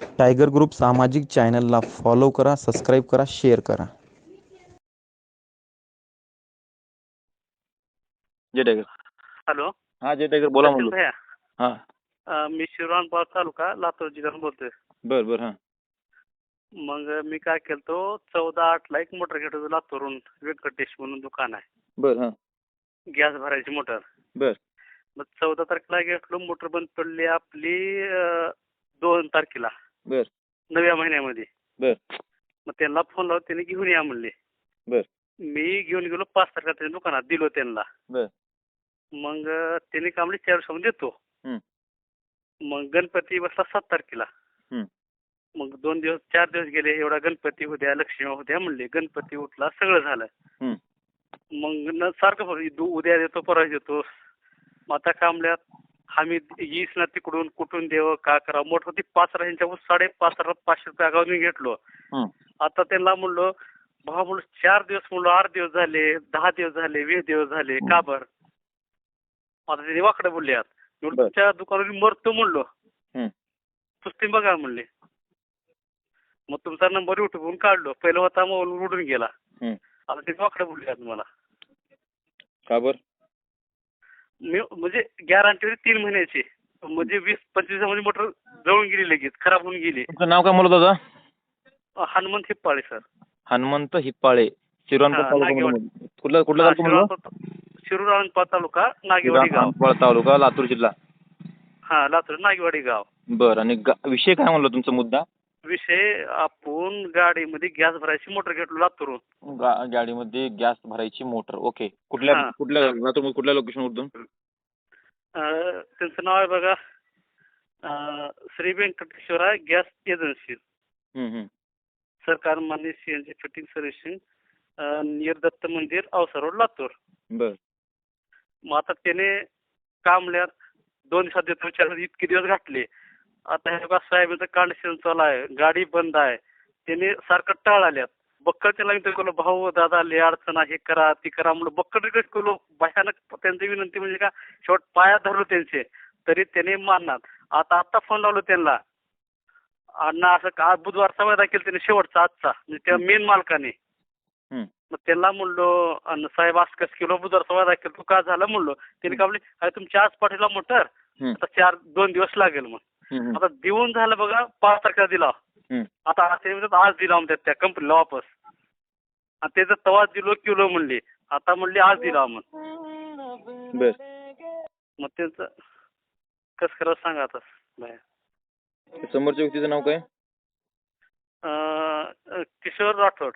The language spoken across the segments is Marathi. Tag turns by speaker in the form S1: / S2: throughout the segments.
S1: टायगर ग्रुप सामाजिक चॅनलला फॉलो करा, सबस्क्राईब करा, शेअर करा.
S2: जय टायगर.
S3: हॅलो.
S2: हा जय टायगर बोला
S3: सचिन
S2: म्हणलो.
S3: भैया,
S2: हा
S3: मी शिवरामपार तालुका लातूर जिल्ह्यातून बोलतोय.
S2: बर बर. हा
S3: मग मी काय केलतो 14/8 एक मोटर घेत होतो लातूरून. व्यंकटेश म्हणून दुकान आहे,
S2: बर. हा
S3: गॅस भरायची मोटर.
S2: बर
S3: मग 14 तारखेला घेतलो, मोटर बंद पडली आपली 2 तारखेला
S2: बर
S3: नव्या महिन्यामध्ये.
S2: बर
S3: मग त्यांना फोन लावून त्यांनी घेऊन या म्हणले.
S2: बर
S3: मी घेऊन गेलो 5 तारखेला त्यांच्या दुकानात दिलो त्यांना.
S2: बर.
S3: मग त्यांनी का म्हणले 4 दिवसामध्ये देतो.
S2: हम्म.
S3: मग गणपती बसला 7 तारखेला.
S2: हम्म.
S3: मग 2 दिवस 4 दिवस गेले, एवढा गणपती होत्या, लक्ष्मी होत्या म्हणले. गणपती उठला, सगळं झालं.
S2: हम्म.
S3: मग सारखं उद्या देतो, परवा देतो. मग आता कामल्यात आम्ही येईस ना तिकडून, कुठून देव का करा. मोठ होती 5 ह्यांच्या 5,500 रुपये अगावून घेतलो.
S2: हम्म.
S3: आता त्यांना म्हणलो भावा, म्हणलो 4 दिवस, म्हणलो 8 दिवस झाले, 10 दिवस झाले, 20 दिवस झाले, का बर. आता त्यांनी वाकडे बोलले, तुमच्या दुकानावर मरतो म्हणलो, पुस्ती बघा म्हणले. मग तुमचा नंबर युट्यूबवरून काढलो. पहिला होता मोबाईल उडून गेला. आता ते वाकडे बोलले मला.
S2: का बर.
S3: मी म्हणजे गॅरंटी होती 3 महिन्याची. म्हणजे 20-25 दिवसामध्ये मोटर जळून गेली, लगेच खराब होऊन गेली.
S2: तुमचं नाव काय म्हणलं दादा?
S3: हनुमंत हिप्पाळे सर.
S2: हनुमंत हिप्पाळे, शिरवानपूर तालुका. कुठला कुठला तालुका म्हणलं?
S3: शिरूरामपार तालुका, नागेवाडी गाव.
S2: शिरवानपूर तालुका, लातूर जिल्हा.
S3: हा, लातूर नागेवाडी गाव.
S2: बर. आणि विषय काय म्हणलं तुमचा मुद्दा?
S3: विषय, आपण गाडीमध्ये गॅस भरायची मोटर घेतलो लातूरून.
S2: गाडीमध्ये गॅस भरायची मोटर. ओके. कुठल्या लातूर कुठल्या लोकेशन वरून?
S3: त्यांचं नाव आहे बघा, श्री व्यंकटेश्वरा गॅस एजन्सी. सरकार मान्य CNG fitting servicing, near Datta मंदिर, औसा रोड, लातूर.
S2: बर.
S3: मग आता त्याने कामल्यात 2 दिवसात देतो विचार, इतके दिवस घातले. आता हे बघा साहेबांचं कंडिशन चालू आहे, गाडी बंद आहे. त्याने सारखं टाळ आल्यात. बक्कळ त्याला विनंती केलो, भाऊ दादा लय अडचण आहे, हे करा ती करा म्हणून बक्कळ रिक्वेस्ट केलो. भयानक त्यांची विनंती म्हणजे का, शेवट पाया धरलो त्यांचे, तरी त्याने मानणार. आता फोन लावलो त्यांना. अण्णा असं का बुधवारचा वायदा केला त्याने, शेवटचा आजचा, म्हणजे त्या मेन मालकाने. मग त्यांना म्हणलो, अण्णा साहेब असं कसं केलो, बुधवारचा वायदा केला, तू का झालं म्हणलो. त्याने का म्हणले, अरे तुमची आज पाठीला मोटर, आता 2 दिवस लागेल. मग आता देऊन झालं बघा, 5 तारखेला दिला. आता आज दिला म्हणतात त्या कंपनीला वापस. आणि त्याचं तवा दिलो किलो म्हणले, आता म्हणले आज दिला. मग त्यांचं कसं करावं सांगा आता बाया.
S2: समोरच्या व्यक्तीचं नाव काय?
S3: किशोर राठोड,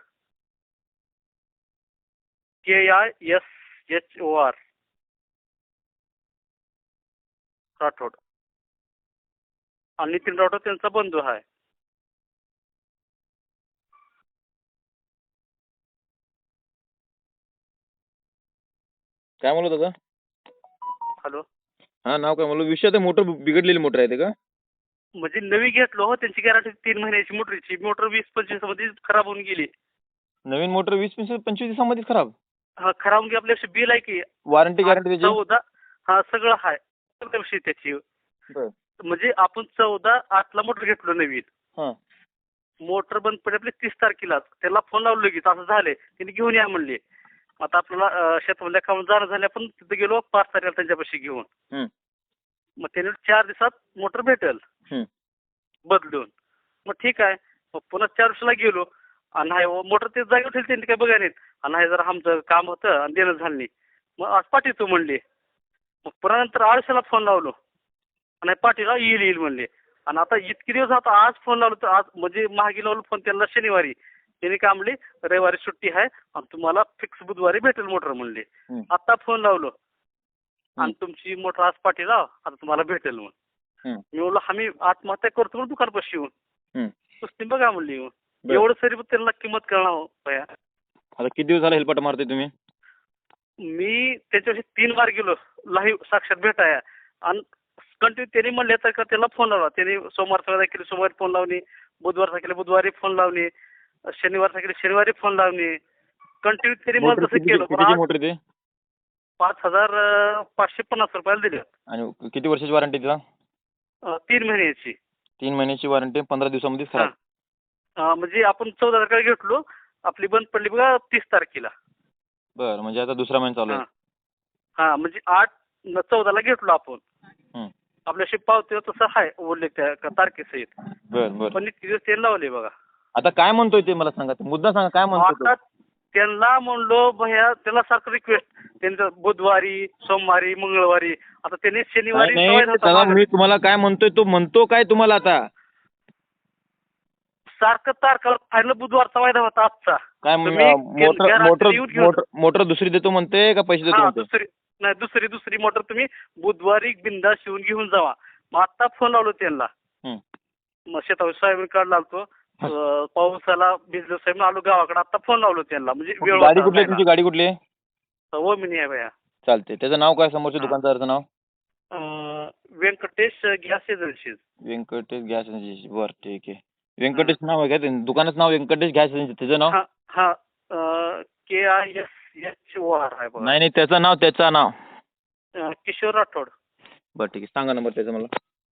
S3: KISHOR राठोड. आणि नितीन राठोड त्यांचा बंधू आहे.
S2: काय म्हणलं दादा?
S3: हॅलो.
S2: हा, नाव काय म्हणलं? विषय ते मोटर बिघडलेली मोटर आहे ते का?
S3: म्हणजे नवी घेतलो, त्यांची गॅरंटी 3 महिन्याची मोटरची. मोटर 20-25 दिवसामध्ये खराब होऊन गेली.
S2: नवीन मोटर 20-25 दिवसामध्ये खराब?
S3: हा, खराब होऊन गेली. आपल्याशी बिल आहे की
S2: वॉरंटी गॅरंटी त्याची?
S3: 14. हा, सगळं आहे विषय त्याची. म्हणजे आपण 14/8 मोटर घेतलो नवीन. मोटर बंद पडली आपली 30 तारखेला. त्याला फोन लावलो लगेच, असं झाले. त्यांनी घेऊन या म्हणले. आता आपल्याला शेतामध्ये काम जाणं झाले, आपण तिथे गेलो 5 तारखेला त्यांच्यापाशी घेऊन. मग त्याने 4 दिवसात मोटर भेटेल बदलून. मग ठीक आहे. मग पुन्हा 4 दिवसाला गेलो, आणि नाही मोटर ते जागेवर ठेवली, त्यांनी काय बघा नाहीत. आणि नाही जरा आमचं काम होतं आणि देणं झालं नाही. मग आज पाठवतो म्हणले. मग पुन्हा नंतर 8 दिवसाला फोन लावलो, आणि पाठीला येईल म्हणले. आणि आता इतके दिवस आता आज फोन लावलो, तर आज म्हणजे मागे लावलो फोन त्यांना शनिवारी. त्यांनी काय म्हणले, रविवारी सुट्टी आहे आणि तुम्हाला फिक्स बुधवारी भेटेल मोटर म्हणले. आता फोन लावलो, आणि तुमची मोटर आज पाठी लाव, आता तुम्हाला भेटेल. मग मी बोललो आम्ही आत्महत्या करतो म्हणून दुकानपाशी येऊन, पुस्ती बघा म्हणली. एवढं सरी त्यांना किंमत कळणार.
S2: आता किती दिवस झाला हेल्पाट मारते तुम्ही?
S3: मी त्याच्याशी 3 बार गेलो लाईव्ह साक्षात भेटाया. आणि कंटिन्यू त्यांनी म्हणले तर का त्याला फोन लावला. त्यांनी सोमवारचा केली, सोमवारी फोन लावणे, बुधवारचा केले, बुधवारी फोन लावणे, शनिवारचा केले, शनिवारी फोन लावणे. कंटिन्यू त्यांनी मला तसं केलं. 5,550 रुपयाला दिले.
S2: आणि किती वर्षाची वॉरंटी तिला?
S3: 3 महिन्याची.
S2: 3 महिन्याची वॉरंटी 15 दिवसामध्ये खराब.
S3: म्हणजे आपण 14 तारखेला घेतलो, आपली बंद पडली बघा 30 तारखेला.
S2: बरं, म्हणजे आता दुसरा महिना चालू आहे.
S3: हा म्हणजे 14ला घेतलो आपण.
S2: हं.
S3: आपल्याशी पावते तसं आहे उल्लेख त्या तारखेसहित.
S2: बरं बरं.
S3: पण इतके दिवस ते लावले बघा.
S2: आता काय म्हणतोय ते मला सांगा, मुद्दा सांगा काय म्हणतोय
S3: आता त्यांना म्हणलो भैया, त्याला सारखं रिक्वेस्ट त्यांचं बुधवारी, सोमवारी, मंगळवारी, आता त्यांनी शनिवारी
S2: नाही
S3: सवय होता
S2: त्याला
S3: माझं.
S2: मी तुम्हाला काय म्हणतोय तो म्हणतो काय तुम्हाला आता
S3: सारखं तारखेला फायनल बुधवारचा वायदा होता आजचा.
S2: काय
S3: तुम्ही
S2: मोटर
S3: रात्री येऊन घेऊन
S2: मोटर मोटर दुसरी देतो म्हणते का पैसे देतो
S3: हा
S2: म्हणते?
S3: दुसरी मोटर तुम्ही बुधवारी बिंदास येऊन घेऊन जावा. मग आता फोन लावलो त्यांना.
S2: हं.
S3: मग शेतावर सोयाबीन काढला आलतो, पावसाला भिजलो साहेब, आलो गावाकडे. आता फोन लावलो त्यांना, म्हणजे वेळ
S2: गाडी कुठली आहे तुमची? गाडी कुठली आहे?
S3: ओमिनी आहे भैया.
S2: चालते. त्याचं नाव काय समोरच्या दुकानदाराचं नाव?
S3: Venkatesh gas agency.
S2: Venkatesh gas agency. बरं ठीक आहे. व्यंकटेश नाव आहे का दुकानाचं नाव? Venkatesh gas agency. त्याचं नाव?
S3: हा KISHOR आहे बघा.
S2: नाही त्याचं नाव
S3: किशोर राठोड.
S2: बरं ठीक आहे. सांगा नंबर त्याचा मला.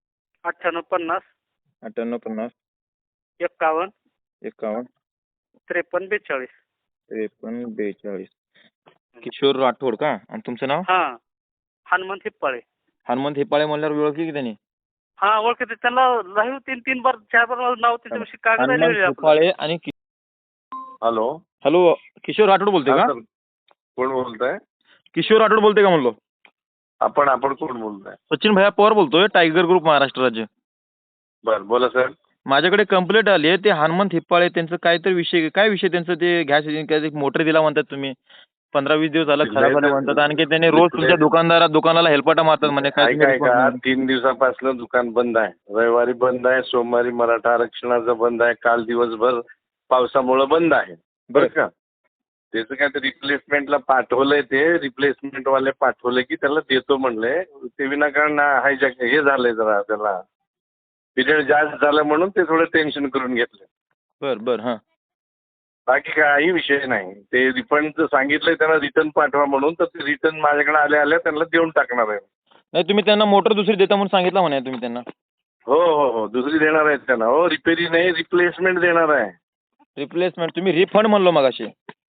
S3: 9850
S2: 5850
S3: 51
S2: 51
S3: 53 42.
S2: 53 42. किशोर राठोड का? आणि तुमचं नाव?
S3: हनुमंत हिप्पाळे.
S2: हनुमंत हिप्पाळे म्हणल्यावर ओळखली की त्यांनी?
S3: ओळखते त्यांना. लाईव्ह 3 बार 4 बार नाव त्याच्याविषयी कागद
S2: हनुमंत हिप्पाळे आणि
S4: हॅलो
S2: हॅलो किशोर राठोड बोलते का?
S4: कोण बोलताय?
S2: किशोर राठोड बोलते का म्हणलो?
S4: आपण कोण बोलताय?
S2: सचिन भैया पवार बोलतोय, टायगर ग्रुप महाराष्ट्र राज्य.
S4: बर बोला सर.
S2: माझ्याकडे कंप्लेंट आली आहे. ते हनुमंत हिप्पाळे त्यांचं काहीतरी विषय त्यांचं ते गॅस मोटर दिला म्हणतात तुम्ही. 15-20 दिवस झाला खराब झालं म्हणतात. आणखी त्यांनी रोज तुमच्या दुकानाला हेलपाटा मारतात म्हणे. काय
S4: का 3 दिवसापासून दुकान बंद आहे. रविवारी बंद आहे, सोमवारी मराठा आरक्षणाचं बंद आहे, काल दिवसभर पावसामुळे बंद आहे. बरं का? त्याचं काय ते रिप्लेसमेंटला पाठवलंय, ते रिप्लेसमेंट वाले पाठवले की त्याला देतो म्हणले. ते विनाकारण हायजॅक हे झालंय, जरा त्याला पिरियड जास्त झालं म्हणून ते थोडं टेन्शन करून घेतलं.
S2: बर हां.
S4: बाकी काही विषय नाही. ते रिफंडचं सांगितलंय त्यांना, रिटर्न पाठवा म्हणून. तर ते रिटर्न माझ्याकडे आल्या त्यांना देऊन टाकणार आहे.
S2: नाही तुम्ही त्यांना मोटर दुसरी देता म्हणून सांगितलं म्हणे तुम्ही त्यांना.
S4: हो दुसरी देणार आहेत त्यांना. रिपेरी नाही, रिप्लेसमेंट देणार आहे.
S2: रिप्लेसमेंट तुम्ही रिफंड म्हणलो मगाशी.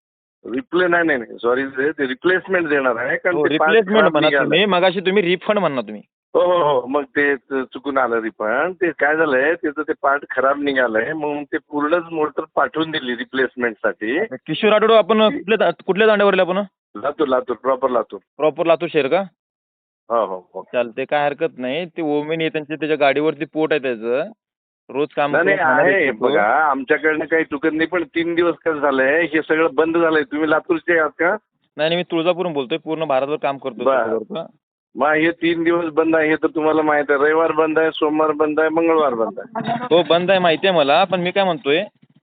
S4: नाही सॉरी, ते रिप्लेसमेंट देणार आहे. कारण
S2: रिप्लेसमेंट म्हणा तुम्ही, मगाशी तुम्ही रिफंड म्हणा तुम्ही.
S4: हो मग ते चुकून आलं रिफंड. ते काय झालंय, त्याचं ते पार्ट खराब निघालंय म्हणून ते पूर्णच मोटर पाठवून दिली रिप्लेसमेंटसाठी.
S2: किशोर राठोड आपण कुठल्या दांड्यावरले आपण?
S4: लातूर प्रॉपर
S2: लातूर शहर का?
S4: हो
S2: चालते, काय हरकत नाही. ते ओमेन त्याच्या गाडीवरती पोट आहे त्याचं. रोज काम
S4: आहे बघा. आमच्याकडनं काही चुकत नाही, पण 3 दिवस कसं झालंय, हे सगळं बंद झालंय. तुम्ही लातूरचे आहात का?
S2: नाही मी तुळजापूरून बोलतोय. पूर्ण भारतभर काम करतो.
S4: मग हे 3 दिवस बंद आहे हे तर तुम्हाला माहित आहे. रविवार बंद आहे, सोमवार बंद आहे, मंगळवार बंद आहे.
S2: हो बंद आहे, माहिती आहे मला. पण मी काय म्हणतोय,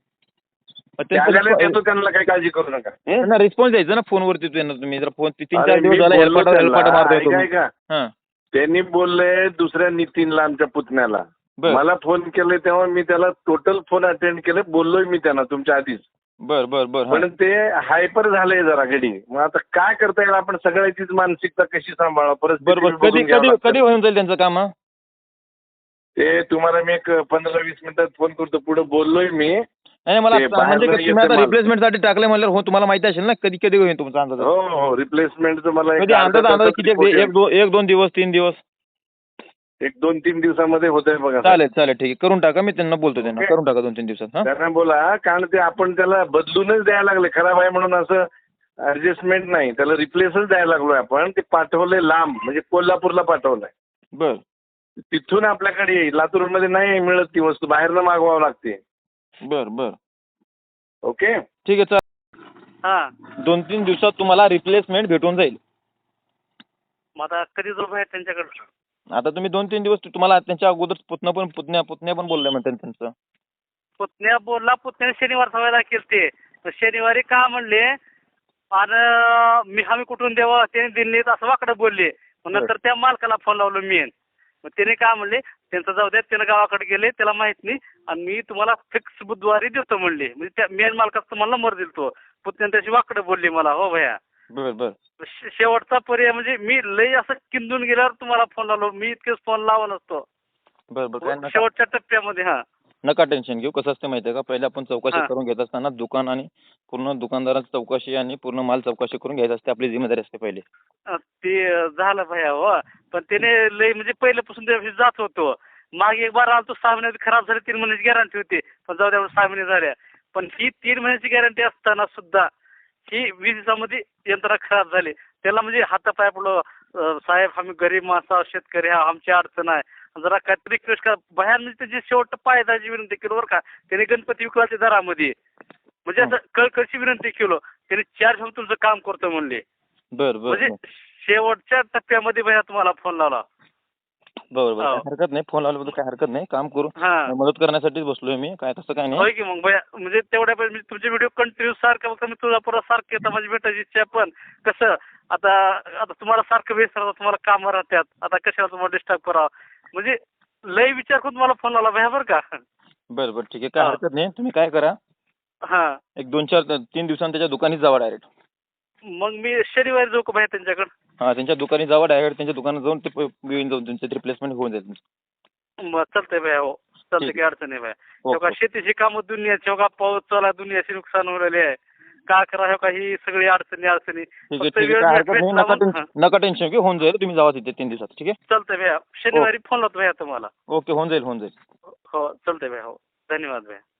S4: देतो त्यांना, काही काळजी करू नका.
S2: रिस्पॉन्स द्यायचा ना फोनवरती. तुम्ही जर फोन 3-4 दिवस झाला हेलपाटा मारतोय
S4: का? त्यांनी बोलले दुसऱ्या नितीनला, आमच्या पुतण्याला मला फोन केले, तेव्हा मी त्याला टोटल फोन अटेंड केले, बोललोय मी त्यांना तुमच्या आधीच.
S2: बर
S4: पण ते हायपर झालंय जरा घडी. मग आता काय करता येईल, आपण सगळ्याचीच मानसिकता कशी सांभाळा. परत
S2: कधी होऊन जाईल त्यांचं काम?
S4: ते तुम्हाला मी एक 15-20 मिनिटात फोन करतो. पुढे बोललोय मी.
S2: नाही मला म्हणजे तुम्ही आता रिप्लेसमेंटसाठी टाकले म्हणल्यावर हो तुम्हाला माहिती असेल ना कधी होईल तुमचा अंदाज?
S4: हो रिप्लेसमेंटचं मला
S2: अंदाज किती? 1-2 दिवस 3 दिवस?
S4: 1-2-3 दिवसामध्ये होतंय बघा.
S2: चालेल ठीक आहे, करून टाका. मी त्यांना बोलतो, त्यांना करून टाका 2-3 दिवसात.
S4: त्यांना बोला, कारण ते आपण त्याला बदलूनच द्यायला लागले. खराब आहे म्हणून असं ऍडजस्टमेंट नाही, त्याला रिप्लेसच द्यायला लागलोय आपण. ते पाठवलंय लांब, म्हणजे कोल्हापूरला पाठवलंय.
S2: बर.
S4: तिथून आपल्याकडे येईल. लातूरमध्ये नाही मिळत ती वस्तू, बाहेरनं मागवावं लागते.
S2: बर
S4: ओके
S2: ठीक आहे. चालेल, 2-3 दिवसात तुम्हाला रिप्लेसमेंट भेटून जाईल.
S3: मग आता कधी जाऊ बाहेर त्यांच्याकडे?
S2: आता तुम्ही 2-3 दिवस, तुम्हाला त्यांच्या अगोदर पुतण्या पण बोलले म्हणते त्यांचं.
S3: पुतण्या बोलला, पुतण्याने शनिवार सवायला केलते. शनिवारी का म्हणले, आणि आम्ही कुठून द्यावं, त्याने दिल्लीत असं वाकडं बोलले. नंतर त्या मालकाला फोन लावलो मी. मग त्याने काय म्हणले, त्यांचं जाऊ द्या, त्यानं गावाकडे गेले, त्याला माहित नाही, आणि मी तुम्हाला फिक्स बुधवारी देतो म्हणले. म्हणजे त्या मेन मालकाचा तुम्हाला नंबर दिलतो. पुतण्याने त्याची वाकडं बोलली मला. हो भैया.
S2: बर
S3: शेवटचा पर्याय म्हणजे मी लई असं किंदून गेल्यावर तुम्हाला फोन लावलो. मी इतकेच फोन लावा नसतो.
S2: बरं काय नका
S3: शेवटच्या टप्प्यामध्ये. हा
S2: नका टेन्शन घेऊ. कसं असतं माहिती आहे का, पहिले आपण चौकशी
S3: हा.
S2: करून घेत असताना दुकान आणि पूर्ण दुकानदाराची चौकशी आणि पूर्ण माल चौकशी करून घ्यायची असते, आपली जिम्मेदारी असते पहिले.
S3: ते झालं भैया हो. पण त्याने लय म्हणजे पहिल्यापासून त्या दिवशी जात होतो. मागे एक बार आलतो 6 महिन्यात खराब झाले, 3 महिन्याची गॅरंटी होती. पण जाऊ द्या 6 महिने झाल्या. पण ही 3 महिन्याची गॅरंटी असताना सुद्धा ही 20 दिवसामध्ये यंत्रणा खराब झाली. त्याला म्हणजे हातापाय पडलो, साहेब आम्ही गरीब माणसं शेतकरी हा, आमची अडचण आहे, जरा काहीतरी रिक्वेस्ट करा. भयान म्हणजे त्याची शेवट पायदाची विनंती केली बरं का. त्याने गणपती विकलाच्या दरामध्ये म्हणजे असं कळकळची विनंती केलो. त्याने 4 दिवसात तुमचं काम करतो म्हणले.
S2: बरं
S3: म्हणजे शेवटच्या टप्प्यामध्ये भैया तुम्हाला फोन लावला.
S2: बरोबर, काही हरकत नाही. फोन लावल्याबद्दल काही हरकत नाही. काम करू,
S3: हा
S2: मदत करण्यासाठीच बसलोय मी, काय तसं काय नाही.
S3: होय की मग भैया, म्हणजे तेवढ्या म्हणजे तुमचे व्हिडिओ कंटिन्यू सारखं बघता मी तुळजापुरात सारखे येतात, माझी भेटायची इच्छा आहे. पण कसं आता तुम्हाला सारखं व्यस्त राहतं, तुम्हाला कामं राहतात, आता कशाला तुम्हाला डिस्टर्ब करावं, म्हणजे लय विचार करून तुम्हाला फोन लावला भैया बरं का.
S2: बरं ठीक आहे, काय हरकत नाही. तुम्ही काय करा,
S3: हा
S2: एक 2-4-3 दिवसांनी त्याच्या दुकानी जावा डायरेक्ट.
S3: मग मी शनिवारी जाऊ का भैया त्यांच्याकडे?
S2: हां, त्यांच्या दुकानी जावा डायरेक्ट. त्यांच्या दुकानात जाऊन ते घेऊन जाऊन तुमचं रिप्लेसमेंट होऊन जाईल तुमचं.
S3: मग चालतंय भैया. हो चालतंय, काही अडचण नाही भैया. हो का, शेतीची कामं दुनियाची, हो का, पाऊस चालू आहे, दुनियाचे नुकसान होऊ आहे. का करा, हो का, ही सगळी अडचणी
S2: ठीक आहे, काय हरकत नाही. नका टेन्शन घेऊ, होऊन जाईल. तुम्ही जावा तिथे 3 दिवसात. ठीक आहे,
S3: चालतंय भैया. शनिवारी फोन लावतो भैया तुम्हाला.
S2: ओके, होऊन जाईल.
S3: हो चालतंय भैया. हो धन्यवाद भैया.